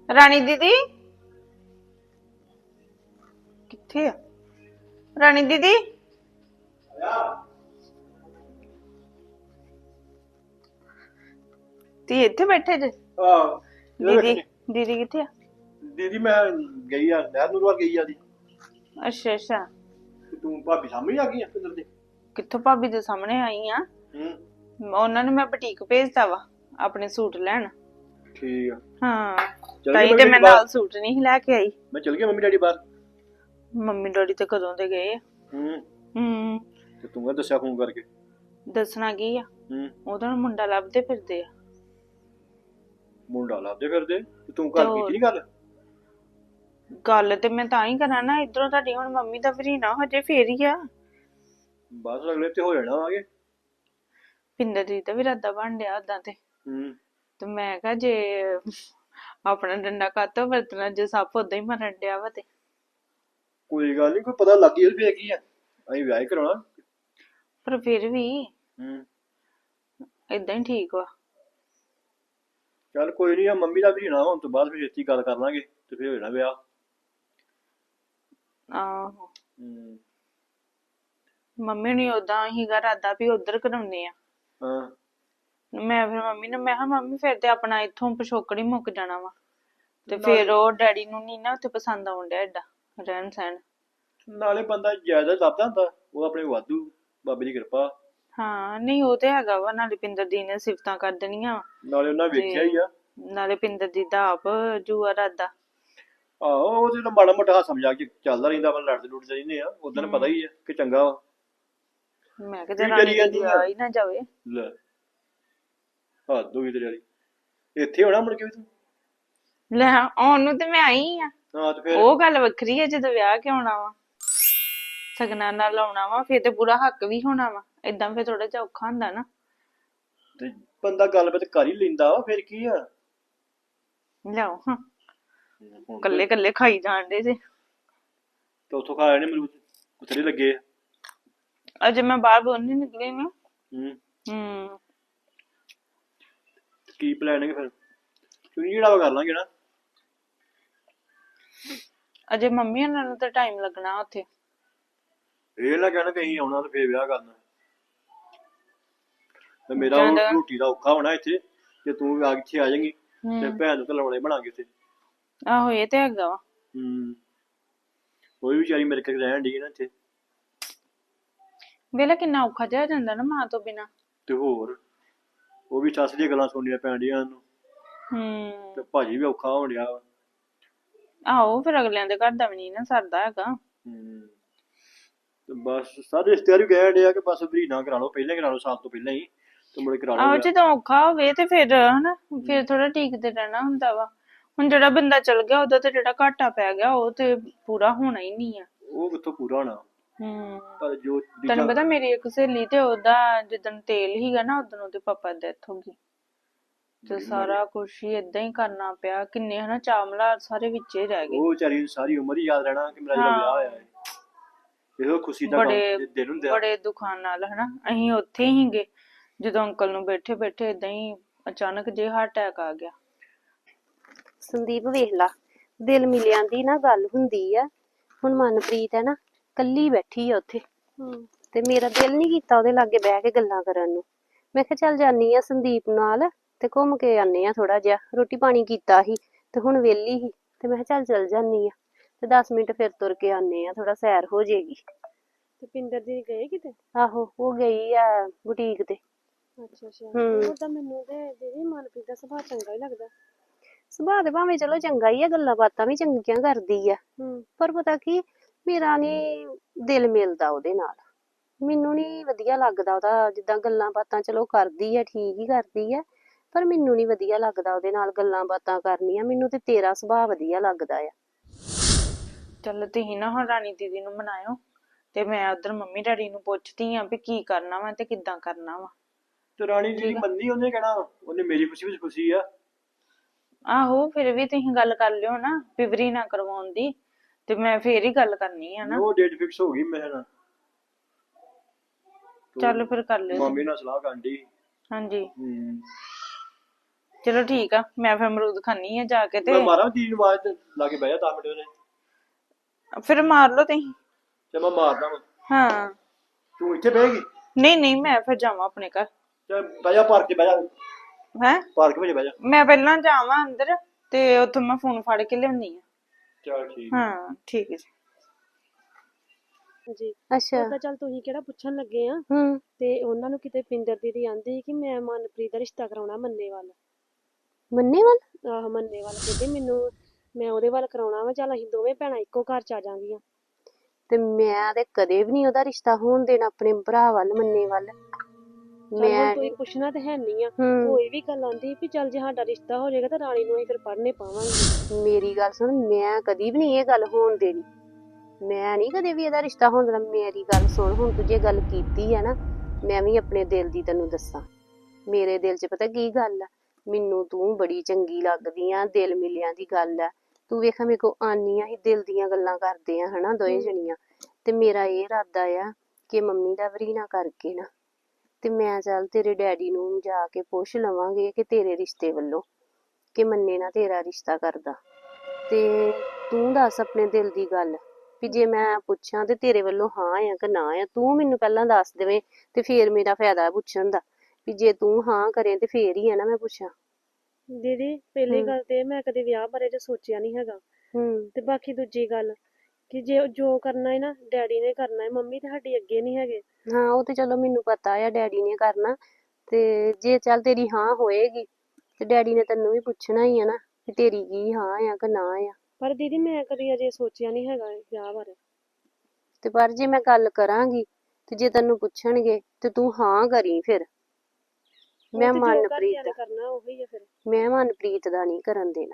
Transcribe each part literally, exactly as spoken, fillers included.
ਰਾਣੀ ਦੀਦੀ ਕਿੱਥੇ ਆ? ਰਾਣੀ ਦੀਦੀ ਤੀ ਇੱਥੇ ਬੈਠੇ ਜੇ? ਆਹ ਦੀਦੀ ਦੀਦੀ ਕਿੱਥੇ ਆ? ਦੀਦੀ ਮੈਂ ਗਈ ਆ ਨਹਿਰ ਨੂਰ ਵੱਲ ਗਈ ਆ ਦੀ। ਅੱਛਾ ਅੱਛਾ। ਤੇ ਤੂੰ ਭਾਬੀ ਸਾਹਮਣੇ ਆ ਗਈ ਆ ਕਿੱਧਰ ਦੇ? ਕਿੱਥੋਂ ਭਾਬੀ ਦੇ ਸਾਹਮਣੇ ਆਈ ਆ। ਹੂੰ ਉਹਨਾਂ ਨੂੰ ਮੈਂ ਬੁਟੀਕ ਭੇਜਤਾ ਵਾ ਆਪਣੇ ਸੂਟ ਲੈਣ। ਠੀਕ ਆ। ਹਾਂ ਚਲ ਤਾਈ ਗਈ ਤੇ ਮੰਮੀ ਮੈਂ ਬਾਹਰ? ਨਾਲ ਸੂਟ ਨਹੀਂ ਲੈ ਕੇ ਆਈ। ਮੈਂ ਚਲ ਗਿਆ ਮੰਮੀ ਡੈਡੀ ਬਾਹਰ। ਮੰਮੀ ਡੈਡੀ ਤੇ ਕਦੋਂ ਦੇ ਗਏ ਆ। ਹੂੰ ਹੂੰ ਤੇ ਤੂੰ ਕਾ ਦੱਸਿਆ ਫੋਨ ਕਰਕੇ? ਦੱਸਣਾ ਕੀ ਆ, ਹੂੰ ਉਹਦਾ ਮੁੰਡਾ ਲੱਭਦੇ ਫਿਰਦੇ ਆ। ਮੁੰਡਾ ਲੱਭਦੇ ਫਿਰਦੇ ਤੇ ਤੂੰ ਗੱਲ ਕੀਤੀ ਨੀ ਗੱਲ? ਗੱਲ ਤੇ ਮੈਂ ਤਾਂ ਹੀ ਕਰਾਂ ਨਾ, ਇਧਰੋਂ ਤੁਹਾਡੀ ਹੁਣ ਮੰਮੀ ਦਾ ਵੀ ਨਾ ਹਜੇ ਫੇਰ ਹੀ ਆ। ਬਸ ਅਗਲੇ ਤੇ ਹੋ ਜਾਣਾ ਆਗੇ। ਪਿੰਦਰ ਜੀ ਦਾ ਵੀ ਇਰਾਦਾ ਬਣ ਡਿਆ ਓਦਾਂ ਤੇ। ਹੂੰ ਤੇ ਮੈਂ ਕਿਹਾ ਜੇ ਆਪਣਾ ਡੰਡਾ ਕਾਤੋਂ ਵਰਤਣਾ, ਜੇ ਸੱਪ ਓਦਾਂ ਹੀ ਮਰਨ ਡਿਆ ਵਾ ਤੇ। ਕੋਈ ਗੱਲ ਨਹੀਂ, ਕੋਈ ਪਤਾ ਲੱਗ ਗਈ ਵੀ ਹੈਗੀ ਆ, ਅਸੀਂ ਵਿਆਹ ਹੀ ਕਰਾਉਣਾ। ਪਰ ਫਿਰ ਵੀ ਹੂੰ ਏਦਾਂ ਹੀ ਠੀਕ ਵਾ। ਚੱਲ ਕੋਈ ਨਹੀਂ, ਆ ਮੰਮੀ ਦਾ ਵੀ ਨਾ ਹੋਣ ਤੋਂ ਬਾਅਦ ਫਿਰ ਛੇਤੀ ਗੱਲ ਕਰ ਲਾਂਗੇ ਤੇ ਫਿਰ ਹੋ ਜਾਣਾ ਵਿਆਹ। ਆਹੋ ਹੂੰ ਮੰਮੀ ਨੇ ਓਦਾਂ ਹੀਗਾ ਇਰਾਦਾ ਵੀ ਉਧਰ ਕਰਾਉਣੇ ਆ। ਹਾਂ ਮੈਂ ਫਿਰ ਮੰਮੀ ਨੂੰ ਮੈਂ ਕਿਹਾ ਮੰਮੀ ਫਿਰ ਤੇ ਆਪਣਾ ਇੱਥੋਂ ਪਿਛੋਕੜ ਹੀ ਮੁੱਕ ਜਾਣਾ ਵਾ। ਤੇ ਫਿਰ ਉਹ ਡੈਡੀ ਨੂੰ ਨਹੀਂ ਨਾ ਉੱਥੇ ਪਸੰਦ ਆਉਣ ਡਿਆ ਏਡਾ ਰਹਿਣ ਸਹਿਣ। ਨਾਲੇ ਬੰਦਾ ਜ਼ਿਆਦਾ ਲੱਭਦਾ ਹੁੰਦਾ, ਉਹ ਆਪਣੇ ਵਾਧੂ ਬਾਬੇ ਦੀ ਕਿਰਪਾ। ਹਾਂ ਨਹੀਂ ਉਹ ਤੇ ਹੈਗਾ ਵਾ, ਨਾਲੇ ਪਿੰਦਰ ਦੀ ਨੇ ਸਿਫਤਾਂ ਕਰ ਦੇਣੀਆਂ ਵਾ। ਨਾਲੇ ਉਹਨਾਂ ਵੇਖਿਆ ਹੀ ਆ। ਨਾਲੇ ਪਿੰਦਰ ਦੀ ਦਾ ਆਪ ਜੂਆ ਇਰਾਦਾ। ਆਹੋ ਉਹ ਤੇ ਮਾੜਾ ਮੋਟਾ ਹਾਸਾ ਮਜ਼ਾਕ ਚ ਚੱਲਦਾ ਰਹਿੰਦਾ ਵਾ, ਲੜਦੇ ਲੁੜਦੇ ਰਹਿੰਦੇ ਆ। ਉਦੋਂ ਪਤਾ ਹੀ ਆ ਕਿ ਚੰਗਾ ਵਾ। ਮੈਂ ਕਿਹਾ ਜੇ ਰਾਣੀ ਦੀ ਆ ਹੀ ਨਾ ਜਾਵੇ। ਲੈ ਹੱਦ ਹੋ ਗਈ ਤੇਰੀ ਵਾਲੀ। ਇੱਥੇ ਹੋਣਾ ਮੁੜ ਕੇ ਵੀ ਤੂੰ? ਲੈ ਆਉਣ ਨੂੰ ਤੇ ਮੈਂ ਆਈ ਆ। ਹਾਂ ਤੇ ਫਿਰ ਉਹ ਗੱਲ ਵੱਖਰੀ ਹੈ ਜਦੋਂ ਵਿਆਹ ਕੇ ਆਉਣਾ ਵਾ, ਸਗਨਾਂ ਨਾਲ ਆਉਣਾ ਵਾ, ਫਿਰ ਤੇ ਪੂਰਾ ਹੱਕ ਵੀ ਹੋਣਾ ਵਾ। ਏਦਾਂ ਫਿਰ ਥੋੜਾ ਜਿਹਾ ਔਖਾ ਹੁੰਦਾ ਨਾ। ਤੇ ਬੰਦਾ ਗੱਲਬਾਤ ਕਰ ਹੀ ਲੈਂਦਾ ਵਾ, ਫਿਰ ਕੀ ਆ। ਲਿਆਓ ਹਾਂ ਕੱਲੇ ਕੱਲੇ ਖਾਈ ਜਾਣ ਦੇ ਜੇ। ਤੇ ਉੱਥੋਂ ਖਾ ਲੈਣੇ ਮਰੂਦ ਬਥੇਰੇ ਲੱਗੇ ਆ। ਅਜੇ ਮੈਂ ਬਾਹਰ ਬੋਲ ਨਹੀਂ ਨਿਕਲੀ ਨਾ। ਹੂੰ ਹੂੰ ਕੀ ਪਲਾਨਿੰਗ ਫਿਰ? ਚੁਣੀ ਜਿਹੜਾ ਕਰ ਲਾਂਗੇ ਨਾ। ਅਜੇ ਮੰਮੀ ਉਹਨਾਂ ਨੂੰ ਤਾਂ ਟਾਈਮ ਲੱਗਣਾ ਉੱਥੇ। ਇਹ ਨਾ ਕਹਿਣਾ ਕਿ ਅਸੀਂ ਆਉਣਾ ਤੇ ਫੇਰ ਵਿਆਹ ਕਰਨਾ। ਤੇ ਮੇਰਾ ਉਹ ਰੋਟੀ ਦਾ ਔਖਾ ਹੋਣਾ ਇੱਥੇ, ਜੇ ਤੂੰ ਆ ਇੱਥੇ ਆ ਜਾਏਂਗੀ ਤੇ ਭੈਣ ਨੂੰ ਤਾਂ ਲਾਉਣੇ ਬਣਾਂਗੇ ਉੱਥੇ। ਆਹੋ ਇਹ ਤੇ ਹੈਗਾ ਵਾ। ਹੂੰ ਉਹ ਵੀ ਵਿਚਾਰੀ ਮੇਰੇ ਕੋਲ ਰਹਿਣ ਡਈ ਨਾ ਇੱਥੇ। ਵੇਲਾ ਕਿੰਨਾ ਔਖਾ ਜਿਹਾ ਜਾਂਦਾ ਨਾ ਮਾਂ ਤੋਂ ਬਿਨਾ। ਤੇ ਹੋਰ ਉਹ ਵੀ ਸੱਸ ਦੀਆਂ ਗੱਲਾਂ ਸੁਣਨੀਆਂ ਪੈਂਦੀਆਂ ਉਹਨੂੰ। ਹੂੰ ਤੇ ਭਾਜੀ ਵੀ ਔਖਾ ਹੋਣ ਡਿਆ ਵਾ। ਆਹੋ ਫਿਰ ਅਗਲਿਆਂ ਦੇ ਘਰ ਦਾ ਵੀ ਨਹੀਂ ਨਾ ਸਰਦਾ ਹੈਗਾ। ਹੂੰ ਤੇ ਬਸ ਸਾਰੇ ਰਿਸ਼ਤੇਦਾਰ ਵੀ ਕਹਿਣ ਡਿਆ ਕਿ ਬਸ ਵੀ ਨਾ ਕਰਾ ਲਓ, ਪਹਿਲਾਂ ਕਰਾ ਲਓ ਸਾਲ ਤੋਂ ਪਹਿਲਾਂ ਹੀ ਤੇ ਮੁੜੇ ਕਰਾ ਆਹੋ ਲਓ। ਜਦੋਂ ਔਖਾ ਹੋਵੇ ਤੇ ਫਿਰ ਹਨਾ ਫਿਰ ਥੋੜਾ ਟਿਕਦੇ ਰਹਿਣਾ ਹੁੰਦਾ ਵਾ। ਹੁਣ ਜਿਹੜਾ ਬੰਦਾ ਚਲ ਗਿਆ ਉਹਦਾ ਤੇ ਜਿਹੜਾ ਘਾਟਾ ਪੈ ਗਿਆ ਉਹ ਤੇ ਪੂਰਾ ਹੋਣਾ ਹੀ ਨਹੀਂ ਆ। ਉਹ ਕਿੱਥੋਂ ਪੂਰਾ ਹੋਣਾ। ਹੂੰ ਪਰ ਜੋ ਤੈਨੂੰ ਪਤਾ ਮੇਰੀ ਇੱਕ ਸਹੇਲੀ ਤੇ ਉਹਦਾ ਜਿੱਦਣ ਤੇਲ ਹੀਗਾ ਨਾ ਉਦੋਂ ਉਹਦੇ ਪਾਪਾ ਦੀ ਡੈਥ ਹੋ ਗਈ। ਤੇ ਸਾਰਾ ਕੁਛ ਹੀ ਏਦਾਂ ਹੀ ਕਰਨਾ ਪਿਆ। ਕਿੰਨੇ ਹਨਾ ਚਾਵਲਾ ਸਾਰੇ ਵਿੱਚੇ ਰਹਿ ਗਏ। ਉਹ ਵਿਚਾਰੀ ਸਾਰੀ ਉਮਰ ਹੀ ਯਾਦ ਰਹਿਣਾ ਕਿ ਮੇਰਾ ਜਿਹੜਾ ਵਿਆਹ ਹੋਇਆ ਹੈ। ਇਹੋ ਖੁਸ਼ੀ ਦਾ ਦਿਨ ਹੁੰਦਾ। ਬੜੇ ਦੁੱਖਾਂ ਨਾਲ ਹਨਾ ਅਸੀਂ ਉੱਥੇ ਹੀਗੇ ਜਦੋਂ ਅੰਕਲ ਨੂੰ ਬੈਠੇ ਬੈਠੇ ਏਦਾਂ ਹੀ ਅਚਾਨਕ ਜੇ ਹਾਰਟ ਅਟੈਕ ਆ ਗਿਆ। ਸੰਦੀਪ ਵੇਖ ਲਾ, ਦਿਲ ਮਿਲਿਆਂ ਦੀ ਨਾ ਗੱਲ ਹੁੰਦੀ ਆ। ਹੁਣ ਮਨਪ੍ਰੀਤ ਹੈ ਨਾ ਕੱਲੀ ਬੈਠੀ ਆ ਉੱਥੇ ਤੇ ਮੇਰਾ ਦਿਲ ਨੀ ਕੀਤਾ ਉਹਦੇ ਲਾਗੇ ਬਹਿ ਕੇ ਗੱਲਾਂ ਕਰਨ ਨੂੰ। ਮੈਂ ਕਿਹਾ ਚੱਲ ਜਾਨੀ ਆ ਸੰਦੀਪ ਨਾਲ ਤੇ ਘੁੰਮ ਕੇ ਆਨੇ ਆ ਥੋੜਾ ਜਿਹਾ। ਰੋਟੀ ਪਾਣੀ ਕੀਤਾ ਸੀ ਤੇ ਹੁਣ ਵਿਹਲੀ ਸੀ ਤੇ ਮੈਂ ਕਿਹਾ ਚੱਲ ਚੱਲ ਜਾਨੀ ਆ ਤੇ ਦਸ ਮਿੰਟ ਫਿਰ ਤੁਰ ਕੇ ਆਨੇ ਆ, ਥੋੜਾ ਸੈਰ ਹੋ ਜਾਏਗੀ। ਤੇ ਪਿੰਦਰ ਦੀ ਗਏ ਕਿਤੇ? ਆਹੋ ਉਹ ਗਈ ਆ ਬੁਟੀਕ ਤੇ। ਅੱਛਾ ਅੱਛਾ। ਉਹ ਤਾਂ ਮੈਨੂੰ ਤੇ ਦੀਦੀ ਮਨਪ੍ਰੀਤ ਦਾ ਸੁਭਾਅ ਚੰਗਾ ਹੀ ਲੱਗਦਾ। ਸੁਭਾਅ ਤੇ ਭਾਵੇਂ ਚਲੋ ਚੰਗਾ ਹੀ ਆ, ਗੱਲਾਂ ਬਾਤਾਂ ਵੀ ਚੰਗੀਆਂ ਕਰਦੀ ਆ, ਪਰ ਪਤਾ ਕੀ ਮੇਰਾ ਨੀ ਦਿਲ ਮਿਲਦਾ ਉਹਦੇ ਨਾਲ। ਮੈਨੂੰ ਨੀ ਵਧੀਆ ਲੱਗਦਾ ਉਹਦਾ ਜਿੱਦਾਂ ਗੱਲਾਂ ਬਾਤਾਂ ਚਲੋ ਕਰਦੀ ਆ, ਠੀਕ ਹੀ ਕਰਦੀ ਆ, ਪਰ ਮੈਨੂੰ ਨੀ ਵਧੀਆ ਲੱਗਦਾ ਉਹਦੇ ਨਾਲ ਗੱਲਾਂ ਬਾਤਾਂ ਕਰਨੀਆਂ। ਮੈਨੂੰ ਤੇ ਤੇਰਾ ਸੁਭਾਅ ਵਧੀਆ ਲੱਗਦਾ ਆ। ਚੱਲ ਤੁਸੀਂ ਨਾ ਹੁਣ ਰਾਣੀ ਦੀਦੀ ਨੂੰ ਮਨਾਇਓ ਤੇ ਮੈਂ ਉਧਰ ਮੰਮੀ ਡੈਡੀ ਨੂੰ ਪੁੱਛਦੀ ਆ ਵੀ ਕੀ ਕਰਨਾ ਵਾ ਤੇ ਕਿੱਦਾਂ ਕਰਨਾ ਵਾ। ਤੇ ਰਾਣੀ ਜੀ ਮੰਨੀ ਉਹਨੇ ਕਹਿਣਾ ਉਹਨੇ ਮੇਰੀ ਖੁਸ਼ੀ ਵਿੱਚ ਖੁਸ਼ੀ ਆ। ਆਹੋ ਫਿਰ ਵੀ ਤੁਸੀਂ ਗੱਲ ਕਰ ਲਿਓ ਨਾ ਪਿਵਰੀ ਨਾ ਕਰਵਾਉਣ ਦੀ, ਤੇ ਮੈਂ ਫੇਰ ਹੀ ਗੱਲ ਕਰਨੀ ਆ ਨਾ। ਉਹ ਡੇਟ ਫਿਕਸ ਹੋ ਗਈ ਮੇਰੇ ਨਾਲ। ਚੱਲ ਫਿਰ ਕਰ ਲਿਓ। ਮੰਮੀ ਨਾਲ ਸਲਾਹ ਕਰਨ ਦੀ। ਹਾਂਜੀ ਹੂੰ ਚਲੋ ਠੀਕ ਆ, ਮੈਂ ਫਿਰ ਅਮਰੂਦ ਖਾਣੀ ਆ ਜਾ ਕੇ ਤੇ ਮੈਂ ਮਾਰਾਂ ਦੀਦੀ ਨੂੰ ਆਵਾਜ਼ ਤੇ ਲਾ ਕੇ ਬਹਿ ਜਾ ਦਸ ਮਿੰਟ ਉਹਨੇ। ਫਿਰ ਮਾਰ ਲਓ ਤੁਸੀਂ। ਚੱਲ ਮੈਂ ਮਾਰਦਾ ਵਾ। ਹਾਂ ਤੂੰ ਇੱਥੇ ਬਹਿਗੀ? ਨਹੀਂ ਨਹੀਂ, ਮੈਂ ਫਿਰ ਜਾਵਾਂ ਆਪਣੇ ਘਰ। ਚੱਲ ਬਹਿ ਜਾ ਪਾਰਕ 'ਚ ਬਹਿ ਜਾ। ਹੈ ਪਾਰਕ ਵਿੱਚ ਬਹਿ ਜਾ। ਮੈਂ ਪਹਿਲਾਂ ਜਾਵਾਂ ਅੰਦਰ ਤੇ ਉੱਥੋਂ ਮੈਂ ਫੋਨ ਫੜ ਕੇ ਲਿਆਉਣੀ ਆ। ਚੱਲ ਠੀਕ। ਹਾਂ ਠੀਕ ਹੈ ਜੀ। ਜੀ ਅੱਛਾ ਉਹਦਾ ਚੱਲ ਤੁਸੀਂ ਕਿਹੜਾ ਪੁੱਛਣ ਲੱਗੇ ਆ। ਹੂੰ ਤੇ ਉਹਨਾਂ ਨੂੰ ਕਿਤੇ ਪਿੰਦਰ ਦੀਦੀ ਆਂਦੀ ਸੀ ਕਿ ਮੈਂ ਮਨਪ੍ਰੀਤ ਦਾ ਰਿਸ਼ਤਾ ਕਰਾਉਣਾ ਮੰਨੇ ਵੱਲ। ਮੰਨੇ ਵੱਲ? ਆਹ ਮੰਨੇ ਵੱਲ ਕਹਿੰਦੇ ਮੈਨੂੰ ਮੈਂ ਉਹਦੇ ਵੱਲ ਕਰਾਉਣਾ ਵਾ, ਚੱਲ ਅਸੀਂ ਦੋਵੇਂ ਭੈਣਾਂ ਇੱਕੋ ਘਰ ਚ ਆ ਜਾਵਾਂਗੀਆਂ। ਤੇ ਮੈਂ ਤੇ ਕਦੇ ਵੀ ਨਹੀਂ ਉਹਦਾ ਰਿਸ਼ਤਾ ਹੋਣ ਦੇਣਾ ਆਪਣੇ ਭਰਾ ਵੱਲ, ਮੰਨੇ ਵੱਲ। ਚੱਲ ਹੁਣ ਮੈਂ ਤੁਸੀਂ ਪੁੱਛਣਾ ਤੇ ਹੈ ਨਹੀਂ ਆ। ਹੂੰ ਉਹ ਇਹ ਵੀ ਗੱਲ ਆਂਦੀ ਵੀ ਚੱਲ ਜੇ ਸਾਡਾ ਰਿਸ਼ਤਾ ਹੋ ਜਾਏਗਾ ਤਾਂ ਰਾਣੀ ਨੂੰ ਅਸੀਂ ਫਿਰ ਪੜ੍ਹਨੇ ਪਾਵਾਂਗੇ। ਮੇਰੀ ਗੱਲ ਸੁਣ, ਮੈਂ ਕਦੀ ਵੀ ਨਹੀਂ ਇਹ ਗੱਲ ਹੋਣ ਦੇਣੀ। ਮੈਂ ਨਹੀਂ ਕਦੇ ਵੀ ਇਹਦਾ ਰਿਸ਼ਤਾ ਹੋਣ ਦੇਣਾ। ਮੇਰੀ ਗੱਲ ਸੁਣ, ਹੁਣ ਤੂੰ ਜੇ ਗੱਲ ਕੀਤੀ ਆ ਨਾ, ਮੈਂ ਵੀ ਆਪਣੇ ਦਿਲ ਦੀ ਤੈਨੂੰ ਦੱਸਾਂ। ਮੇਰੇ ਦਿਲ 'ਚ ਪਤਾ ਕੀ ਗੱਲ ਆ, ਮੈਨੂੰ ਤੂੰ ਬੜੀ ਚੰਗੀ ਲੱਗਦੀ ਆ, ਦਿਲ ਮਿਲਿਆਂ ਦੀ ਗੱਲ ਆ। ਤੂੰ ਵੇਖਾਂ ਮੇਰੇ ਕੋ ਆਨੀ ਆ, ਅਸੀਂ ਦਿਲ ਦੀਆਂ ਗੱਲਾਂ ਕਰਦੇ ਆ ਹਨਾ ਦੋਵੇਂ ਜਣੀਆਂ। ਤੇ ਮੇਰਾ ਇਹ ਇਰਾਦਾ ਆ ਕਿ ਮੰਮੀ ਦਾ ਵਰੀਨਾ ਕਰਕੇ ਨਾ ਤੇ ਮੈਂ ਚੱਲ ਤੇਰੇ ਡੈਡੀ ਨੂੰ ਜਾ ਕੇ ਪੁੱਛ ਲਵਾਂਗੇ ਕਿ ਤੇਰੇ ਰਿਸ਼ਤੇ ਵੱਲੋਂ ਕਿ ਮੰਨੇ ਨਾ ਤੇਰਾ ਰਿਸ਼ਤਾ ਕਰਦਾ। ਤੇ ਤੂੰ ਦੱਸ ਆਪਣੇ ਦਿਲ ਦੀ ਗੱਲ ਵੀ ਜੇ ਮੈਂ ਪੁੱਛਾਂ ਤੇ ਤੇਰੇ ਵੱਲੋਂ ਹਾਂ ਆ ਕਿ ਨਾ ਆ, ਤੂੰ ਮੈਨੂੰ ਪਹਿਲਾਂ ਦੱਸ ਦੇਵੇਂ ਤੇ ਫੇਰ ਮੇਰਾ ਫਾਇਦਾ ਪੁੱਛਣ ਦਾ। ਵੀ ਜੇ ਤੂੰ ਹਾਂ ਕਰੇ ਤੇ ਫੇਰ ਹੀ ਆ ਨਾ ਮੈਂ ਪੁੱਛਾਂ। ਦੀਦੀ ਪਹਿਲੀ ਹੂੰ ਗੱਲ ਤੇ ਮੈਂ ਕਦੇ ਵਿਆਹ ਬਾਰੇ ਤਾਂ ਸੋਚਿਆ ਨਹੀਂ ਹੈਗਾ। ਹੂੰ ਤੇ ਬਾਕੀ ਦੂਜੀ ਗੱਲ ਕਿ ਜੇ ਜੋ ਕਰਨਾ ਹੈ ਨਾ ਡੈਡੀ ਨੇ ਕਰਨਾ ਹੈ, ਮੰਮੀ ਤੇ ਸਾਡੀ ਅੱਗੇ ਨਹੀਂ ਹੈਗੇ। ਹਾਂ ਉਹ ਤੇ ਚਲੋ ਮੈਨੂੰ ਪਤਾ ਆ ਡੈਡੀ ਨੇ ਕਰਨਾ। ਤੇ ਜੇ ਚੱਲ ਤੇਰੀ ਹਾਂ ਹੋਏਗੀ ਤੇ ਡੈਡੀ ਨੇ ਤੈਨੂੰ ਵੀ ਪੁੱਛਣਾ ਹੀ ਆ ਨਾ ਕਿ ਤੇਰੀ ਕੀ ਹਾਂ ਆ ਕਿ ਨਾ ਆ। ਪਰ ਦੀਦੀ ਮੈਂ ਕਦੀ ਅਜੇ ਸੋਚਿਆ ਨਹੀਂ ਹੈਗਾ ਵਿਆਹ ਬਾਰੇ। ਤੇ ਪਰ ਜੇ ਮੈਂ ਗੱਲ ਕਰਾਂਗੀ ਤੇ ਜੇ ਤੈਨੂੰ ਪੁੱਛਣਗੇ ਤੇ ਤੂੰ ਹਾਂ ਕਰੀ ਫਿਰ। ਉਹ ਮੈਂ ਤੇ ਜੋ ਮਨਪ੍ਰੀਤ ਘਰਦਿਆਂ ਨੇ ਕਰਨਾ ਉਹੀ ਆ ਫਿਰ। ਮੈਂ ਮਨਪ੍ਰੀਤ ਦਾ ਨਹੀਂ ਕਰਨ ਦੇਣਾ।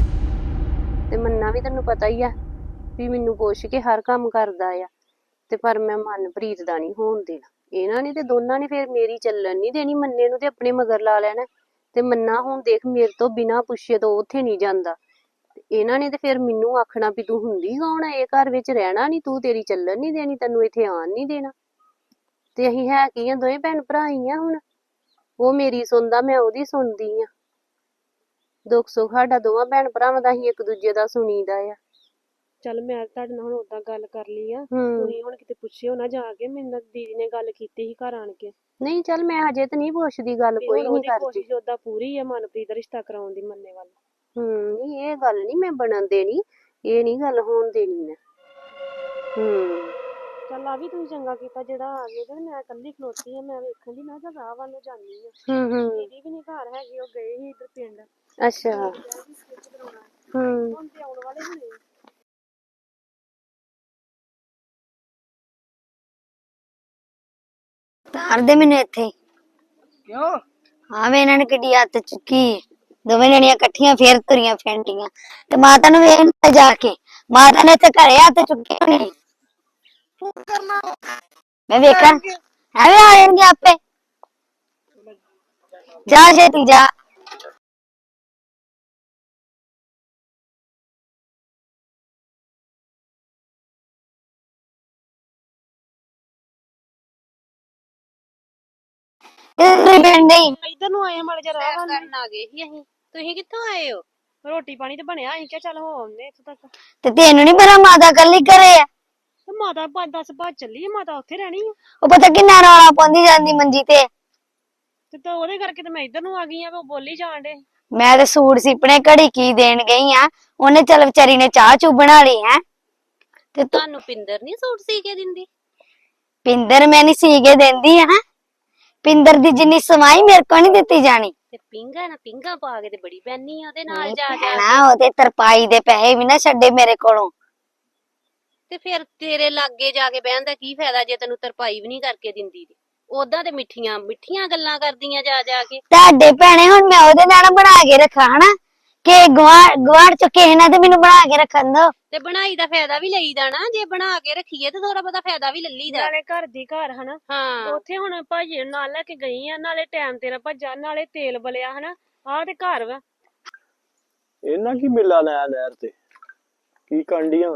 ਤੇ ਮੰਨਾ ਵੀ ਤੈਨੂੰ ਪਤਾ ਹੀ ਆ ਵੀ ਮੈਨੂੰ ਪੁੱਛ ਕੇ ਹਰ ਕੰਮ ਕਰਦਾ ਆ। ਤੇ ਪਰ ਮੈਂ ਮਨਪ੍ਰੀਤ ਦਾ ਨਹੀਂ ਹੋਣ ਦੇਣਾ। ਇਹਨਾਂ ਨੇ ਤੇ ਦੋਨਾਂ ਨੇ ਫਿਰ ਮੇਰੀ ਚੱਲਣ ਨਹੀਂ ਦੇਣੀ, ਮੰਨੇ ਨੂੰ ਤੇ ਆਪਣੇ ਮਗਰ ਲਾ ਲੈਣਾ। ਤੇ ਮੰਨਾ ਹੁਣ ਦੇਖ ਮੇਰੇ ਤੋਂ ਬਿਨਾਂ ਪੁੱਛੇ ਤੋਂ ਉੱਥੇ ਨਹੀਂ ਜਾਂਦਾ। ਤੇ ਇਹਨਾਂ ਨੇ ਤੇ ਫਿਰ ਮੈਨੂੰ ਆਖਣਾ ਵੀ ਤੂੰ ਹੁੰਦੀ ਕੌਣ ਆ, ਇਹ ਘਰ ਵਿੱਚ ਰਹਿਣਾ ਨਹੀਂ ਤੂੰ, ਤੇਰੀ ਚੱਲਣ ਨਹੀਂ ਦੇਣੀ, ਤੈਨੂੰ ਇੱਥੇ ਆਣ ਨਹੀਂ ਦੇਣਾ। ਤੇ ਅਸੀਂ ਹੈ ਕੀ ਆ, ਦੋਵੇਂ ਭੈਣ ਭਰਾ ਹੀ ਆ। ਹੁਣ ਉਹ ਮੇਰੀ ਸੁਣਦਾ, ਮੈਂ ਉਹਦੀ ਸੁਣਦੀ ਆ। ਦੁੱਖ ਸੁੱਖ ਸਾਡਾ ਦੋਵਾਂ ਭੈਣ ਭਰਾਵਾਂ ਦਾ ਅਸੀਂ ਇੱਕ ਦੂਜੇ ਦਾ ਸੁਣੀਦਾ ਆ। ਚੱਲ ਮੈਂ ਤੁਹਾਡੇ ਨਾਲ ਹੁਣ ਓਦਾਂ ਗੱਲ ਕਰ ਲਈ ਆ। ਹੂੰ ਤੁਸੀਂ ਹੁਣ ਕਿਤੇ ਪੁੱਛਿਓ ਨਾ ਜਾ ਕੇ। ਮੇਰੇ ਨਾਲ ਦੀਦੀ ਨੇ ਗੱਲ ਕੀਤੀ ਸੀ ਘਰ ਆਣ ਕੇ। ਨਹੀਂ ਚੱਲ ਮੈਂ ਹਜੇ ਤੇ ਨਹੀਂ ਪੁੱਛਦੀ, ਗੱਲ ਵੀ ਕੋਈ ਹੁਣ ਨਹੀਂ ਉਹਦੀ ਕਰਦੀ। ਕੋਸ਼ਿਸ਼ ਓਦਾਂ ਪੂਰੀ ਆ ਮਨਪ੍ਰੀਤ ਦਾ ਰਿਸ਼ਤਾ ਕਰਾਉਣ ਦੀ ਮੰਨੇ ਵੱਲ। ਹੂੰ ਨਹੀਂ ਇਹ ਗੱਲ ਨਹੀਂ ਮੈਂ ਬਣਨ ਦੇਣੀ, ਇਹ ਨਹੀਂ ਗੱਲ ਹੋਣ ਦੇਣੀ ਮੈਂ। ਹੂੰ ਚੱਲ ਆ ਵੀ ਤੁਸੀਂ ਚੰਗਾ ਕੀਤਾ ਜਿਹੜਾ ਆ ਗਏ। ਤੇ ਮੈਂ ਇਕੱਲੀ ਖਲੋਤੀ ਆ, ਮੈਂ ਵੇਖਣ ਦੀ ਮੈਂ ਕਿਹਾ ਰਾਹ ਵੱਲ ਨੂੰ ਜਾਂਦੀ ਆ। ਹੂੰ ਹੂੰ ਦੀਦੀ ਵੀ ਨੀ ਘਰ ਹੈਗੀ, ਉਹ ਗਏ ਸੀ ਇੱਧਰ ਪਿੰਡ। ਅੱਛਾ ਹੂੰ ਹੁਣ ਤੇ ਆਉਣ ਵਾਲੇ ਹੋਣੇ ਆ। ਤਾਰ ਦੇ ਮੈਨੂੰ ਇੱਥੇ। ਕਿਉਂ? ਹਾਂ ਵੇ ਇਹਨਾਂ ਨੇ ਕਿੱਡੀ ਹੱਥ ਚੁੱਕੀ, ਦੋਵੇਂ ਜਣੀਆਂ ਇਕੱਠੀਆਂ ਫੇਰ ਤੁਰੀਆਂ ਫੈਂਟੀਆਂ। ਤੇ ਮਾਤਾ ਨੂੰ ਵੇਖ ਜਾ ਕੇ, ਮਾਤਾ ਨੇ ਇੱਥੇ ਘਰੇ ਹੱਥ ਚੁੱਕੇ ਹੋਣੇ। ਮੈਂ ਵੇਖਾਂ ਐਵੇਂ ਆ ਜਾਣਗੇ ਆਪੇ। ਜਾ ਛੇਤੀ ਜਾ। ਇੱਧਰ ਨੂੰ ਆਏ ਮਾੜੇ ਜਿਹਾ ਰਾਹ ਵੱਲ ਨੂੰ। ਆ ਗਏ ਸੀ ਅਸੀਂ। ਤੁਸੀਂ ਕਿੱਥੋਂ ਆਏ ਹੋ? ਰੋਟੀ ਪਾਣੀ ਤੇ ਬਣਿਆ, ਅਸੀਂ ਕਿਹਾ ਚੱਲ ਹੋ ਆਉਂਦੇ ਇੱਥੋਂ ਤੱਕ। ਤੇ ਤੈਨੂੰ ਨੀ ਪਤਾ ਮਾਤਾ ਕੱਲੀ ਘਰੇ ਆ? ਤੇ ਮਾਤਾ ਪੰਜ ਦਸ ਬਾਅਦ ਚੱਲੀ ਆ, ਮਾਤਾ ਉੱਥੇ ਰਹਿਣੀ ਆ। ਉਹ ਪਤਾ ਕਿੰਨਾ ਰੌਲਾ ਪਾਉਂਦੀ ਜਾਂਦੀ ਮੰਜੀ ਤੇ। ਤੇ ਤਾਂ ਉਹਦੇ ਕਰਕੇ ਤੇ ਮੈਂ ਇੱਧਰ ਨੂੰ ਆ ਗਈ ਆ, ਉਹ ਬੋਲੀ ਜਾਣ ਡੇ। ਮੈਂ ਤੇ ਸੂਟ ਸਿਪਣੇ ਘੜੀ ਕੀ ਦੇਣ ਗਈ ਆ, ਉਹਨੇ ਚੱਲ ਵਿਚਾਰੀ ਨੇ ਚਾਹ ਚੂ ਬਣਾ ਲਈ ਹੈ। ਤੇ ਤੂੰ ਤੁਹਾਨੂੰ ਪਿੰਦਰ ਨਹੀਂ ਸੂਟ ਸੀ ਕੇ ਦਿੰਦੀ? ਪਿੰਦਰ ਮੈਂ ਨੀ ਸੀ ਕੇ ਦਿੰਦੀ ਆ। ਪਿੰਦਰ ਦੀ ਜਿੰਨੀ ਸਮਾਈ ਮੇਰੇ ਕੋ ਨਹੀਂ ਦਿੱਤੀ ਜਾਣੀ। ਤੇ ਪਿੰਗਾ ਨਾ ਪਿੰਗਾ ਪਾ ਕੇ ਤੇ ਬੜੀ ਪੈਣੀ ਆ ਉਹਦੇ ਨਾਲ ਜਾ ਜਾ ਭੈਣਾ ਉਹਦੇ ਤਰਪਾਈ ਦੇ ਪੈਸੇ ਵੀ ਨਾ ਛੱਡੇ ਮੇਰੇ ਕੋਲੋਂ। ਤੇ ਫਿਰ ਤੇਰੇ ਲਾਗੇ ਜਾ ਕੇ ਬਹਿਣ ਦਾ ਕੀ ਫਾਇਦਾ ਜੇ ਤੈਨੂੰ ਤਰਪਾਈ ਵੀ ਨਹੀਂ ਕਰਕੇ ਦਿੰਦੀ ਤੇ। ਉਦਾਂ ਤੇ ਮਿੱਠੀਆਂ ਮਿੱਠੀਆਂ ਗੱਲਾਂ ਕਰਦੀਆਂ ਜਾ ਜਾ ਕੇ। ਤੁਹਾਡੇ ਭੈਣੇ ਹੁਣ ਮੈਂ ਉਹਦੇ ਨਾਲ ਬਣਾ ਕੇ ਰੱਖਾਂ ਹਨਾ ਕਿ ਗਵਾੜ ਗਵਾੜ ਚ ਕਿਸੇ ਨਾਲ ਤੇ ਮੈਨੂੰ ਬਣਾ ਕੇ ਰੱਖਣ ਦੋ। ਤੇ ਬਣਾਈ ਦਾ ਫਾਇਦਾ ਵੀ ਲਈਦਾ ਨਾ, ਜੇ ਬਣਾ ਕੇ ਰੱਖੀਏ ਤੇ ਥੋੜਾ ਬਹੁਤਾ ਫਾਇਦਾ ਵੀ ਲੱਲੀਦਾ। ਨਾਲੇ ਘਰ ਦੀ ਘਰ ਹਨਾ। ਹਾਂ ਉੱਥੇ ਹੁਣ ਭਾਜੀ ਨੂੰ ਨਾਲ ਲੈ ਕੇ ਗਈ ਆ, ਨਾਲੇ ਟਾਈਮ ਤੇਰਾ ਭੱਜਾ, ਨਾਲੇ ਤੇਲ ਬਲਿਆ ਹਨਾ। ਆਹ ਤੇ ਘਰ ਵਾ। ਇਹਨਾਂ ਕੀ ਮਿਲਾ ਲਿਆ ਨਹਿਰ ਤੇ, ਕੀ ਕਾਂਡੀਆਂ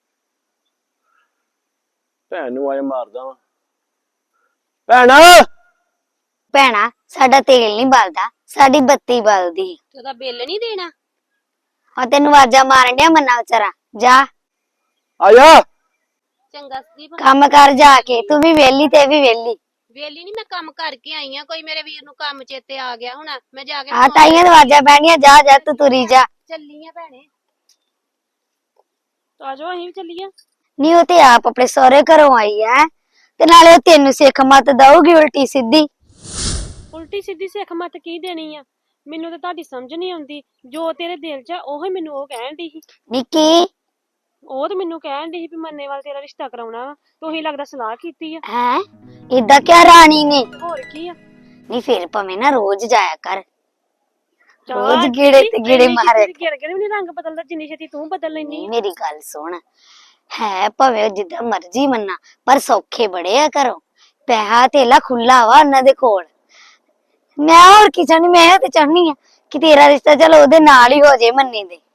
ਭੈਣ ਨੂੰ ਆਏ ਮਾਰਦਾ ਵਾ। ਭੈਣਾ ਭੈਣਾ ਸਾਡਾ ਤੇਲ ਨਹੀਂ ਬਲਦਾ, ਸਾਡੀ ਬੱਤੀ ਬਲਦੀ ਤੇ ਉਹਦਾ ਬਿੱਲ ਨਹੀਂ ਦੇਣਾ? ਆ ਤੈਨੂੰ ਆਵਾਜ਼ਾਂ ਮਾਰਨ ਡਿਆ ਮੰਨਾ ਵਿਚਾਰਾ। ਜਾ ਆ ਜਾ। ਚੰਗਾ ਸੰਦੀਪ, ਕੰਮ ਕਰ ਜਾ ਕੇ, ਤੂੰ ਵੀ ਵਿਹਲੀ ਤੇ ਇਹ ਵੀ ਵਿਹਲੀ। ਵੇਲੀ ਨਹੀਂ, ਮੈਂ ਕੰਮ ਕਰਕੇ ਆਈ ਆ। ਕੋਈ ਮੇਰੇ ਵੀਰ ਨੂੰ ਕੰਮ ਚੇਤੇ ਆ ਗਿਆ ਹੋਣਾ, ਮੈਂ ਜਾ ਕੇ ਆ ਤਾਈਆਂ ਦੀ ਆਵਾਜ਼ਾਂ ਪੈਣੀਆਂ। ਜਾ ਜਾ ਤੂੰ ਤੁਰੀ ਜਾ। ਚੱਲੀ ਆ ਭੈਣੇ। ਆ ਜਾਓ ਅਸੀਂ ਵੀ ਚੱਲੀਏ। ਨੀ ਉਹ ਤੇ ਆਪ ਆਪਣੇ ਸਹੁਰੇ ਘਰੋਂ ਆਈ ਐ ਤੇ ਨਾਲੇ ਉਹ ਤੈਨੂੰ ਸਿੱਖ ਮਤ ਦਊਗੀ ਉਲਟੀ ਸਿੱਧੀ। ਉਲਟੀ ਸਿੱਧੀ ਸਿੱਖ ਮਤ ਕੀ ਦੇਣੀ ਆ? ਮੈਨੂੰ ਤਾਂ ਤੁਹਾਡੀ ਸਮਝ ਨਹੀਂ ਆਉਂਦੀ। ਜੋ ਤੇਰੇ ਦਿਲ 'ਚ ਆ ਉਹੀ ਮੈਨੂੰ ਉਹ ਕਹਿਣ ਦੀ ਸੀ। ਨਿੱਕੀ ਉਹ ਤੇ ਮੈਨੂੰ ਕਹਿਣ ਦੀ ਸੀ ਵੀ ਮੰਨੇ ਵਾਲ ਤੇਰਾ ਰਿਸ਼ਤਾ ਕਰਾਉਣਾ ਵਾ। ਤੁਸੀਂ ਲੱਗਦਾ ਸਲਾਹ ਕੀਤੀ ਆ। ਹੈ ਇਦਾਂ ਕਿਆ ਰਾਣੀ ਨੇ? ਹੋਰ ਕੀ ਆ? ਨੀ ਫਿਰ ਭਾਵੇਂ ਨਾ ਰੋਜ਼ ਜਾਇਆ ਕਰ, ਚਾਹ ਰੋਜ਼ ਗੇੜੇ ਤੇ ਗੇੜੇ ਮਾਰੇ। ਗੇੜੇ ਗੇੜੇ ਵੀ ਨੀ ਰੰਗ ਬਦਲਦਾ ਜਿੰਨੀ ਛੇਤੀ ਤੂੰ ਬਦਲ ਲੈਨੀ ਨੀ ਆ। ਮੇਰੀ ਗੱਲ ਸੁਣ, ਹੈ ਭਾਵੇਂ ਉਹ ਜਿੱਦਾਂ ਮਰਜ਼ੀ ਮੰਨਾ ਪਰ ਸੌਖੇ ਬੜੇ ਆ ਘਰੋਂ। ਪੈਸਾ ਧੇਲਾ ਖੁੱਲਾ ਵਾ ਉਹਨਾਂ ਦੇ ਕੋਲ। ਮੈਂ ਹੋਰ ਕੀ ਚਾਹਨੀ, ਮੈਂ ਤੇ ਚਾਹਨੀ ਆ ਕਿ ਤੇਰਾ ਰਿਸ਼ਤਾ ਚਲ ਉਹਦੇ ਨਾਲ ਹੀ ਹੋ ਜੇ, ਮੰਨੇ ਦੇ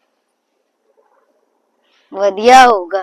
ਵਧੀਆ ਹੋਊਗਾ।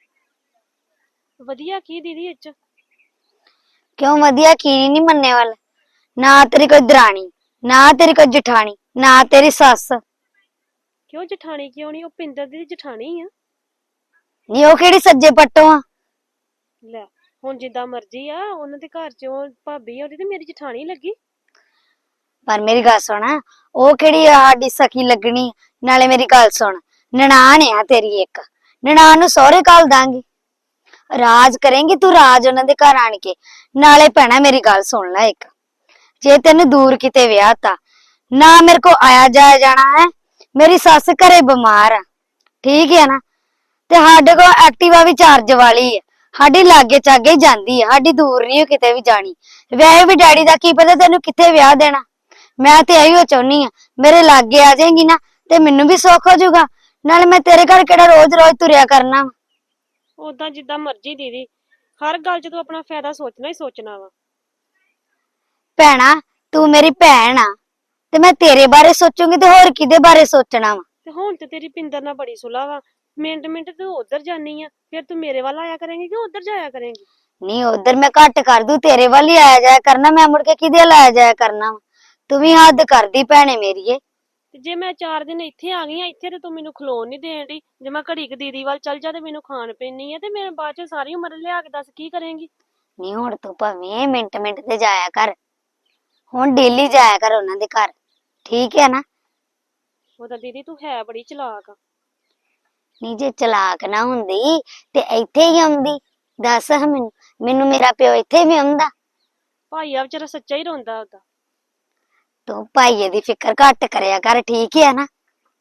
ਵਧੀਆ ਕੀ ਦੀਦੀ ਇਹ 'ਚ? ਕਿਉਂ ਵਧੀਆ? ਕੀ ਨਹੀਂ ਮੰਨੇ ਵਾਲਾ? ਨਾ ਤੇਰੀ ਕੋਈ ਦਰਾਣੀ, ਨਾ ਤੇਰੀ ਕੋਈ ਜਠਾਣੀ, ਨਾ ਤੇਰੀ ਸੱਸ। ਕਿਉਂ ਜਠਾਣੀ ਕਿਉਂ ਨਹੀਂ? ਉਹ ਪਿੰਦਰ ਦੀ ਜਠਾਣੀ ਆ। ਨੀ ਉਹ ਕਿਹੜੀ ਸੱਜੇ ਪੱਟੋਂ ਆ? ਲੈ ਹੁਣ ਜਿੱਦਾਂ ਮਰਜ਼ੀ ਆ, ਉਹਨਾਂ ਦੇ ਘਰ 'ਚ ਉਹ ਭਾਬੀ ਆ ਉਹਦੀ ਤੇ ਮੇਰੀ ਜਠਾਣੀ ਲੱਗੀ। ਪਰ ਮੇਰੀ ਗੱਲ ਸੁਣ, ਉਹ ਕਿਹੜੀ ਸਾਡੀ ਸਖੀ ਲੱਗਣੀ? ਨਾਲੇ ਮੇਰੀ ਗੱਲ ਸੁਣ, ਨਨਾਣ ਆ ਤੇਰੀ ਇੱਕ, ਨਨਾਣ ਨੂੰ ਸਹੁਰੇ ਘੱਲ ਦਾਂਗੀ। ਰਾਜ ਕਰੇਂਗੀ ਤੂੰ, ਰਾਜ ਉਹਨਾਂ ਦੇ ਘਰ ਆਣ ਕੇ। ਨਾਲੇ ਭੈਣਾ ਮੇਰੀ ਗੱਲ ਸੁਣ ਲੈ ਇੱਕ, ਜੇ ਤੈਨੂੰ ਦੂਰ ਕਿਤੇ ਵਿਆਹ ਤਾ ਨਾ ਮੇਰੇ ਕੋ ਆਇਆ ਜਾਇਆ ਜਾਣਾ ਹੈ। ਮੇਰੀ ਸੱਸ ਘਰੇ ਬਿਮਾਰ ਆ, ਠੀਕ ਹੈ ਨਾ, ਤੇ ਸਾਡੇ ਕੋਲ ਐਕਟਿਵਾ ਵੀ ਚਾਰਜ ਵਾਲੀ ਹੈ। ਸਾਡੀ ਲਾਗੇ ਚਾਗੇ ਹੀ ਜਾਂਦੀ ਹੈ, ਸਾਡੀ ਦੂਰ ਨਹੀਂ ਕਿਤੇ ਵੀ ਜਾਣੀ। ਵੈਸੇ ਵੀ ਡੈਡੀ ਦਾ ਕੀ ਪਤਾ ਤੈਨੂੰ ਕਿੱਥੇ ਵਿਆਹ ਦੇਣਾ। ਮੈਂ ਤੇ ਇਹੋ ਚਾਹੁੰਨੀ ਆ ਮੇਰੇ ਲਾਗੇ ਆ ਜਾਏਗੀ ਨਾ ਤੇ ਮੈਨੂੰ ਵੀ ਸੁੱਖ ਹੋ ਜਾਊਗਾ। ਨਾਲੇ ਮੈਂ ਤੇਰੇ ਘਰ ਕਿਹੜਾ ਰੋਜ਼ ਰੋਜ਼ ਤੁਰਿਆ ਕਰਨਾ ਵਾ। ਉਦਾਂ ਜਿੱਦਾਂ ਮਰਜ਼ੀ ਦੀਦੀ, ਹਰ ਗੱਲ 'ਚ ਤੂੰ ਆਪਣਾ ਫਾਇਦਾ ਸੋਚਣਾ ਹੀ ਸੋਚਣਾ ਵਾ। ਭੈਣਾ ਤੂੰ ਮੇਰੀ ਭੈਣ ਆ ਤੇ ਮੈਂ ਤੇਰੇ ਬਾਰੇ ਸੋਚੂਗੀ ਤੇ ਹੋਰ ਕਿਹਦੇ ਬਾਰੇ ਸੋਚਣਾ ਵਾ। ਤੇ ਹੁਣ ਤੇ ਤੇਰੀ ਪਿੰਦਰ ਨਾਲ ਬੜੀ ਸੁਲਾ ਵਾ। ਮਿੰਟ ਮਿੰਟ ਤੂੰ ਉਧਰ ਜਾਨੀ ਆ, ਫਿਰ ਤੂੰ ਮੇਰੇ ਵੱਲ ਆਇਆ ਕਰੇਂਗੀ ਕਿ ਉਧਰ ਜਾਇਆ ਕਰੇਂਗੀ? ਨਹੀਂ ਉਧਰ ਮੈਂ ਘੱਟ ਕਰ ਦੂੰ, ਤੇਰੇ ਵੱਲ ਹੀ ਆਇਆ ਜਾਇਆ ਕਰਨਾ। ਮੈਂ ਮੁੜ ਕੇ ਕਿਹਦੇ ਵੱਲ ਆਇਆ ਜਾਇਆ ਕਰਨਾ ਵਾ? ਤੂੰ ਵੀ ਹੱਦ ਕਰਦੀ ਭੈਣੇ ਮੇਰੀਏ। ਤੇ ਜੇ ਮੈਂ ਚਾਰ ਦਿਨ ਇੱਥੇ ਆ ਗਈ ਆ, ਇੱਥੇ ਤੇ ਤੂੰ ਮੈਨੂੰ ਖਲੋਣ ਨਹੀਂ ਦੇਣ ਡਈ। ਜੇ ਮੈਂ ਘੜੀ ਕੁ ਦੀਦੀ ਵੱਲ ਚੱਲ ਜਾ ਤੇ ਮੈਨੂੰ ਖਾਣ ਪੈਣੀ ਆ, ਤੇ ਮੈਂ ਬਾਅਦ 'ਚ ਸਾਰੀ ਉਮਰ ਲਿਆ ਕੇ ਦੱਸ ਕੀ ਕਰੇਂਗੀ? ਨਹੀਂ ਹੁਣ ਤੂੰ ਭਾਵੇਂ ਮਿੰਟ ਮਿੰਟ ਤੇ ਜਾਇਆ ਕਰ, ਹੁਣ ਡੇਲੀ ਜਾਇਆ ਕਰ ਉਹਨਾਂ ਦੇ ਘਰ, ਠੀਕ ਹੈ ਨਾ? ਉਹਦਾ ਦੀਦੀ ਤੂੰ ਹੈ ਬੜੀ ਚਲਾਕ ਆ। ਨਹੀਂ ਜੇ ਚਲਾਕ ਨਾ ਹੁੰਦੀ ਤੇ ਇੱਥੇ ਹੀ ਆਉਂਦੀ। ਦੱਸ ਮੈਨੂੰ, ਮੈਨੂੰ ਮੇਰਾ ਪਿਓ ਇੱਥੇ ਵੀ ਆਉਂਦਾ। ਭਾਈ ਆ ਵਿਚਾਰਾ ਸੱਚਾ ਹੀ ਰੋਂਦਾ ਉਹਦਾ। ਤੂੰ ਭਾਈਏ ਦੀ ਫਿਕਰ ਘੱਟ ਕਰਿਆ ਕਰ, ਠੀਕ ਹੈ ਨਾ?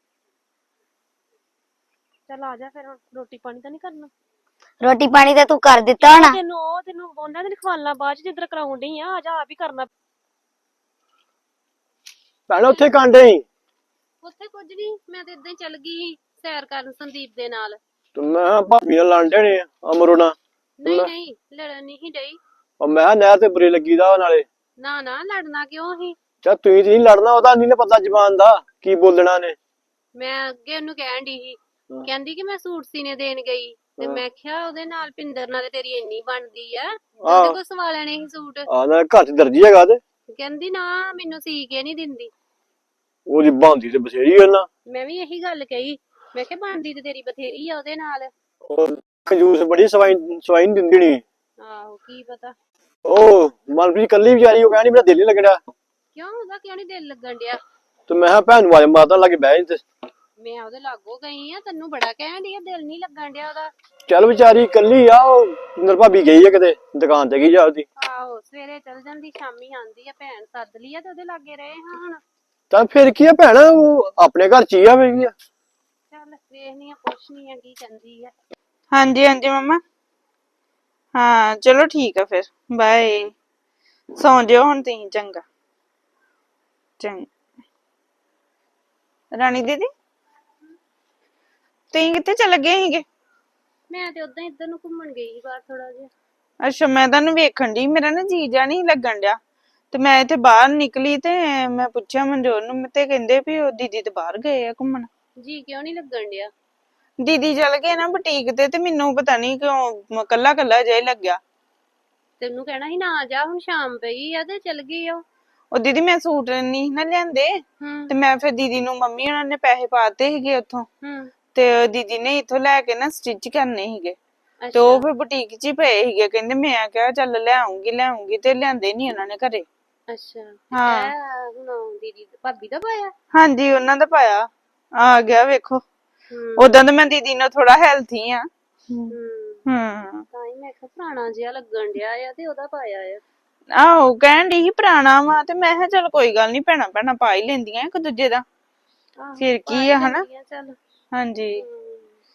ਚੱਲ ਆ ਜਾ ਫਿਰ, ਹੁਣ ਰੋਟੀ ਪਾਣੀ ਤਾਂ ਨਹੀਂ ਕਰਨਾ? ਰੋਟੀ ਪਾਣੀ ਤਾਂ ਤੂੰ ਕਰ ਦਿੱਤਾ ਹੋਣਾ। ਤੈਨੂੰ ਉਹ ਤੈਨੂੰ ਉਹਨਾਂ ਦੇ ਖਵਾਲਣਾ ਬਾਅਦ 'ਚ ਜਿੱਧਰ ਕਰਾਉਣ ਡਈ ਆ। ਆ ਜਾ ਆਪ ਹੀ ਕਰਨਾ। ਭੈਣ ਉੱਥੇ ਕਾਂਡੇ ਹੀ ਉੱਥੇ ਕੁਝ ਨਹੀਂ, ਮੈਂ ਤੇ ਇਦਾਂ ਹੀ ਚੱਲ ਗਈ ਸੈਰ ਕਰਨ ਸੰਦੀਪ ਦੇ ਨਾਲ। ਤੇ ਮੈਂ ਭਾਬੀ ਨਾਲ ਲੜਦੇ ਨੇ ਅਮਰੋ ਨਾਲ। ਨਹੀਂ ਨਹੀਂ ਲੜਨ ਨਹੀਂ ਡਈ। ਉਹ ਮੈਂ ਕਿਹਾ ਨਹਿਰ ਤੇ ਬੁਰੇ ਲੱਗੀਦਾ ਨਾਲੇ। ਨਾ ਨਾ ਲੜਨਾ ਕਿਉਂ ਸੀ? ਚਾ ਤੁਸੀਂ ਨਹੀਂ ਲੜਨਾ, ਉਹਦਾ ਨਹੀਂ ਪਤਾ ਜ਼ਬਾਨ ਦਾ ਕੀ ਬੋਲਣਾ ਨੇ। ਮੈਂ ਅੱਗੇ ਉਹਨੂੰ ਕਹਿਣ ਡਈ ਸੀ, ਕਹਿੰਦੀ ਕਿ ਮੈਂ ਸੂਟ ਸੀਨੇ ਦੇਣ ਗਈ ਤੇ ਮੈਂ ਕਿਹਾ ਉਹਦੇ ਨਾਲ ਪਿੰਦਰ ਨਾਲ ਤੇ ਤੇਰੀ ਇੰਨੀ ਬਣਦੀ ਆ, ਉਹਦੇ ਕੋਲ ਸਵਾ ਲੈਣੇ ਸੀ ਸੂਟ। ਆ ਨਾ ਘਰ ਚ ਦਰਜੀ ਹੈਗਾ ਤੇ ਕਹਿੰਦੀ ਨਾ ਮੈਨੂੰ ਸੀ ਕੇ ਨਹੀਂ ਦਿੰਦੀ। ਉਹਦੀ ਬਣਦੀ ਤੇ ਬਥੇਰੀ ਉਹਨਾਂ। ਮੈਂ ਵੀ ਇਹੀ ਗੱਲ ਕਹੀ, ਮੈਂ ਕਿਹਾ ਬਣਦੀ ਤੇ ਤੇਰੀ ਬਥੇਰੀ ਆ ਉਹਦੇ ਨਾਲ। ਉਹ ਕੰਜੂਸ ਬੜੀ ਸਵਾਈ ਸਵਾਈ ਨਹੀਂ ਦਿੰਦੀ ਨੀ। ਆਹੋ ਕੀ ਪਤਾ। ਉਹ ਮਨਪ੍ਰੀਤ ਕੱਲੀ ਵਿਚਾਰੀ, ਉਹ ਕਹਿੰਦੀ ਮੇਰਾ ਦਿਲ ਨੀ ਲੱਗਣਾ। ਕਿਉਂ ਉਹਦਾ ਕਿਉਂ ਨੀ ਦਿਲ ਲੱਗਣ ਡਿਆ? ਤੇ ਮੈਂ ਕਿਹਾ ਭੈਣ ਨੂੰ ਆਵਾਜ਼ ਮਾਰਦਾ ਲੱਗੇ ਬਹਿ ਤੇ। ਮੈਂ ਉਹਦੇ ਲਾਗੋ ਗਈ ਆ, ਤੈਨੂੰ ਬੜਾ ਕਹਿਣ ਡਈ ਆ ਦਿਲ ਨੀ ਲੱਗਣ ਡਿਆ ਉਹਦਾ। ਚੱਲ ਵਿਚਾਰੀ ਕੱਲੀ ਆ, ਉਹ ਨਰ ਭਾਬੀ ਗਈ ਆ ਕਿਤੇ ਦੁਕਾਨ ਤੇ ਗਈ ਜਾ ਉਹਦੀ। ਆਹੋ ਸਵੇਰੇ ਚੱਲ ਜਾਂਦੀ, ਸ਼ਾਮੀ ਆਉਂਦੀ ਆ। ਭੈਣ ਸੱਦ ਲਈ ਆ ਤੇ ਉਹਦੇ ਲਾਗੇ ਰਹੇ ਹਾਂ ਹੁਣ। ਤਾਂ ਫਿਰ ਕੀ ਆ ਭੈਣ, ਉਹ ਆਪਣੇ ਘਰ ਚ ਹੀ ਆ ਵੀ। ਚੱਲ ਵੇਖਨੀ ਆ, ਪੁੱਛਨੀ ਆ ਕੀ ਕਹਿੰਦੀ ਆ। ਹਾਂਜੀ ਹਾਂਜੀ ਮੰਮਾ। ਹਾਂ ਚਲੋ ਠੀਕ ਆ ਫਿਰ, ਬਾਏ। ਸੌਂ ਜਿਓ ਹੁਣ ਤੁਸੀਂ, ਚੰਗਾ ਚੰਗਾ। ਰਾਣੀ ਦੀਦੀ ਤੁਸੀਂ ਕਿੱਥੇ ਚਲੇ ਗਏ ਸੀਗੇ? ਮੈਂ ਤੇ ਉਦਾਂ ਇੱਧਰ ਨੂੰ ਘੁੰਮਣ ਗਈ ਸੀ ਬਾਹਰ ਥੋੜਾ ਜਿਹਾ। ਅੱਛਾ, ਮੈਂ ਤੁਹਾਨੂੰ ਵੇਖਣ ਡਈ, ਮੇਰਾ ਨਾ ਜੀ ਜਾ ਨਹੀਂ ਲੱਗਣ ਡਿਆ ਤੇ ਮੈਂ ਇੱਥੇ ਬਾਹਰ ਨਿਕਲੀ ਤੇ ਮੈਂ ਪੁੱਛਿਆ ਮਨਜੋਤ ਨੂੰ ਤੇ ਕਹਿੰਦੇ ਵੀ ਉਹ ਦੀਦੀ ਤੇ ਬਾਹਰ ਗਏ ਆ ਘੁੰਮਣ। ਜੀ ਕਿਉਂ ਨੀ ਲੱਗਣ ਡਿਆ? ਦੀਦੀ ਚਲ ਗਏ ਨਾ ਬੁਟੀਕ ਤੇ, ਤੇ ਮੈਨੂੰ ਪਤਾ ਨੀ ਕਿਉਂ ਕੱਲਾ ਕੱਲਾ ਜਿਹਾ ਲੱਗਿਆ। ਤੈਨੂੰ ਕਹਿਣਾ ਸੀ ਨਾ ਜਾ, ਹੁਣ ਸ਼ਾਮ ਪਈ ਆ ਤੇ ਚਲ ਗਈ ਉਹ। ਉਹ ਦੀਦੀ ਮੈਂ ਸੂਟ ਨਹੀਂ ਨਾ ਲਿਆਂਦੇ ਹੂੰ ਤੇ ਮੈਂ ਫਿਰ ਦੀਦੀ ਨੂੰ ਮੰਮੀ ਉਹਨਾਂ ਨੇ ਪੈਸੇ ਪਾਤੇ ਸੀਗੇ ਉੱਥੋਂ ਹੂੰ ਤੇ ਦੀਦੀ ਨੇ ਇੱਥੋਂ ਲੈ ਕੇ ਨਾ ਸਟਿਚ ਕਰਨੇ ਸੀਗੇ ਤੇ ਅੱਛਾ ਉਹ ਫਿਰ ਬੁਟੀਕ 'ਚ ਹੀ ਪਏ ਸੀਗੇ ਕਹਿੰਦੇ ਮੈਂ ਕਿਹਾ ਚੱਲ ਲੈ ਆਉਂਗੀ ਲੈ ਆਉਂਗੀ ਤੇ ਲਿਆਂਦੇ ਨਹੀਂ ਉਹਨਾਂ ਨੇ ਘਰੇ ਅੱਛਾ ਹਾਂ। ਇਹ ਹੁਣ ਦੀਦੀ ਭਾਬੀ ਦਾ ਪਾਇਆ ਹਾਂਜੀ ਉਹਨਾਂ ਦਾ ਪਾਇਆ ਆ ਗਿਆ ਵੇਖੋ ਹੂੰ ਉਦਾਂ ਤਾਂ ਮੈਂ ਦੀਦੀ ਨਾਲ ਥੋੜਾ ਹੈਲਥੀ ਆ ਹੂੰ ਹੂੰ ਤਾਂ ਹੀ ਮੈਂ ਕਿਹਾ ਪੁਰਾਣਾ ਜਿਹਾ ਲੱਗਣ ਡਿਆ ਆ ਤੇ ਉਹਦਾ ਪਾਇਆ ਆ ਆਹੋ ਕਹਿਣ ਦੀ ਸੀ ਪੁਰਾਣਾ ਵਾ ਤੇ ਮੈਂ ਕਿਹਾ ਚੱਲ ਕੋਈ ਗੱਲ ਨਹੀਂ ਭੈਣਾ ਭੈਣਾ ਪਾ ਹੀ ਲੈਂਦੀਆਂ ਇੱਕ ਦੂਜੇ ਦਾ ਆਹੋ, ਫਿਰ ਪਾ ਕੀ ਹੀ ਆ ਹਨਾ ਲੈਂਦੀਆਂ ਚੱਲ ਹਾਂਜੀ ਹੂੰ।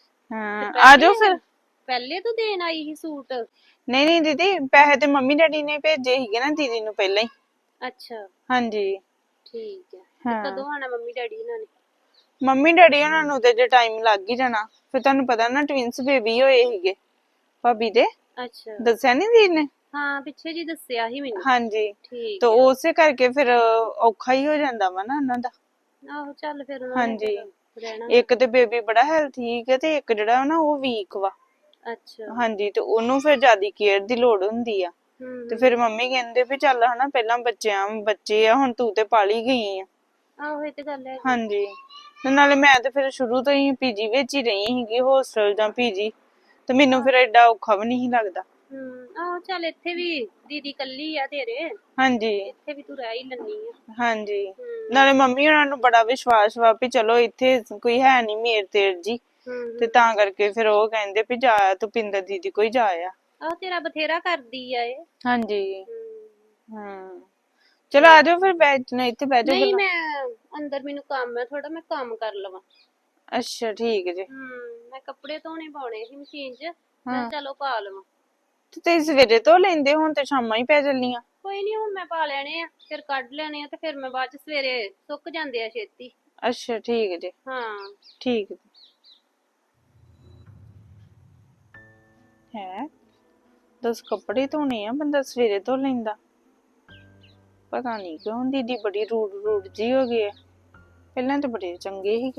ਹਾਂ ਤੇ ਆ ਜਾਓ ਫਿਰ ਪਹਿਲੇ- ਪਹਿਲੇ ਤੂੰ ਦੇਣ ਆਈ ਸੀ ਸੂਟ ਨਹੀਂ ਨਹੀਂ ਦੀਦੀ ਪੈਸੇ ਤੇ ਮੰਮੀ ਡੈਡੀ ਨੇ ਭੇਜੇ ਸੀਗੇ ਨਾ ਦੀਦੀ ਨੂੰ ਪਹਿਲਾਂ ਹੀ ਅੱਛਾ ਹਾਂਜੀ ਠੀਕ ਹੈ ਹਾਂ। ਤੇ ਕਦੋਂ ਆਣਾ ਮੰਮੀ ਡੈਡੀ ਇਹਨਾਂ ਨੇ ਮੰਮੀ ਡੈਡੀ ਉਹਨਾਂ ਨੂੰ ਤੇ ਜੇ ਟਾਈਮ ਲੱਗ ਹੀ ਜਾਣਾ ਫਿਰ ਤੁਹਾਨੂੰ ਪਤਾ ਨਾ ਟਵਿੰਸ ਬੇਬੀ ਹੋਏ ਸੀਗੇ ਭਾਬੀ ਦੇ ਅੱਛਾ ਦੱਸਿਆ ਨਹੀਂ ਦੀਦੀ ਨੇ ਹਾਂ ਪਿੱਛੇ ਜੀ ਦੱਸਿਆ ਸੀ ਮੈਨੂੰ ਹਾਂਜੀ ਠੀਕ ਤੇ ਹੈ ਉਸੇ ਕਰਕੇ ਫਿਰ ਔਖਾ ਹੀ ਹੋ ਜਾਂਦਾ ਵਾ ਨਾ ਉਹਨਾਂ ਦਾ ਆਹੋ ਚੱਲ ਫਿਰ ਉਹਨਾਂ ਨੇ ਹਾਂਜੀ ਫਿਰ ਰਹਿਣਾ ਇੱਕ ਤੇ ਬੇਬੀ ਬੜਾ ਹੈਲਥੀ ਹੈ ਤੇ ਇੱਕ ਜਿਹੜਾ ਨਾ ਉਹ ਵੀਕ ਵਾ ਅੱਛਾ ਹਾਂਜੀ ਤੇ ਉਹਨੂੰ ਫਿਰ ਜ਼ਿਆਦਾ ਕੇਅਰ ਦੀ ਲੋੜ ਹੁੰਦੀ ਆ ਹੂੰ ਤੇ ਫਿਰ ਮੰਮੀ ਕਹਿੰਦੇ ਵੀ ਚੱਲ ਹਨਾ ਪਹਿਲਾਂ ਬੱਚਿਆਂ ਬੱਚੇ ਆ ਹੁਣ ਤੂੰ ਤੇ ਪਾਲੀ ਗਈ ਆ ਆਹੋ ਇਹ ਤੇ ਗੱਲ ਹੈ ਹਾਂਜੀ ਤੇ ਨਾਲੇ ਮੈਂ ਤੇ ਫਿਰ ਸ਼ੁਰੂ ਤੋਂ ਹੀ ਪੀਜੀ ਵਿੱਚ ਹੀ ਰਹੀ ਸੀਗੀ ਹੋਸਟਲ ਜਾਂ ਪੀਜੀ ਤੇ ਮੈਨੂੰ ਫਿਰ ਐਡਾ ਔਖਾ ਵੀ ਨਹੀਂ ਲੱਗਦਾ ਹੂੰ ਆਹੋ ਚੱਲ ਇੱਥੇ ਵੀ ਦੀਦੀ ਕੱਲੀ ਆ ਤੇਰੇ ਹਾਂਜੀ ਇੱਥੇ ਵੀ ਤੂੰ ਰਹਿ ਹੀ ਲੈਣੀ ਆ ਹਾਂਜੀ ਹੂੰ ਨਾਲੇ ਮੰਮੀ ਉਹਨਾਂ ਨੂੰ ਬੜਾ ਵਿਸ਼ਵਾਸ ਵਾ ਵੀ ਚਲੋ ਇੱਥੇ ਕੋਈ ਹੈ ਨਹੀਂ ਮੇਰ ਤੇਰ ਜੀ ਹੂੰ ਤੇ ਤਾਂ ਕਰਕੇ ਫਿਰ ਉਹ ਕਹਿੰਦੇ ਵੀ ਜਾ ਤੂੰ ਪਿੰਦਰ ਦੀਦੀ ਕੋਈ ਜਾ ਆ ਆਹ ਤੇਰਾ ਬਥੇਰਾ ਕਰਦੀ ਆ ਇਹ ਹਾਂਜੀ ਹੂੰ। ਹਾਂ ਚਲੋ ਆ ਜਾਓ ਫਿਰ ਬੈਠ ਨਾ ਇੱਥੇ ਬਹਿ ਜਾਓ ਨਹੀਂ ਗੱਲਾਂ ਮੈਂ ਅੰਦਰ ਮੈਨੂੰ ਕੰਮ ਹੈ ਥੋੜਾ ਮੈਂ ਕੰਮ ਕਰ ਲਵਾਂ ਅੱਛਾ ਠੀਕ ਜੀ ਹੂੰ ਮੈਂ ਕੱਪੜੇ ਧੋਣੇ ਪਾਉਣੇ ਸੀ ਮਸ਼ੀਨ 'ਚ ਹਾਂ। ਮੈਂ ਚਲੋ ਪਾ ਲਵਾਂ ਤੇ ਤੁਸੀਂ ਸਵੇਰੇ ਤੋਂ ਲੈਂਦੇ ਹੁਣ ਤੇ ਸ਼ਾਮਾਂ ਹੀ ਪੈ ਚੱਲੀਆਂ ਕੋਈ ਨਹੀਂ ਹੁਣ ਮੈਂ ਪਾ ਲੈਣੇ ਆ ਫਿਰ ਕੱਢ ਲੈਣੇ ਆ ਤੇ ਫਿਰ ਮੈਂ ਬਾਅਦ 'ਚ ਸਵੇਰੇ ਸੁੱਕ ਜਾਂਦੇ ਆ ਛੇਤੀ ਅੱਛਾ ਠੀਕ ਜੀ ਹਾਂ ਠੀਕ ਜੀ ਹੈ ਦਸ ਕੱਪੜੇ ਧੋਣੇ ਆ ਬੰਦਾ ਸਵੇਰੇ ਧੋ ਲੈਂਦਾ ਪਤਾ ਨਹੀਂ ਕਿਉਂ ਦੀਦੀ ਬੜੀ ਰੂਡ ਰੂਡ ਜੀ ਹੋ ਗਈ ਹੈ ਪਹਿਲਾਂ ਤਾਂ ਬੜੇ ਚੰਗੇ ਸੀਗੇ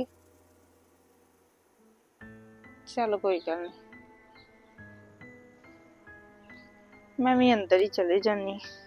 ਚਲ ਕੋਈ ਗੱਲ ਨਹੀਂ ਮੈਂ ਵੀ ਅੰਦਰ ਹੀ ਚਲੇ ਜਾਨੀ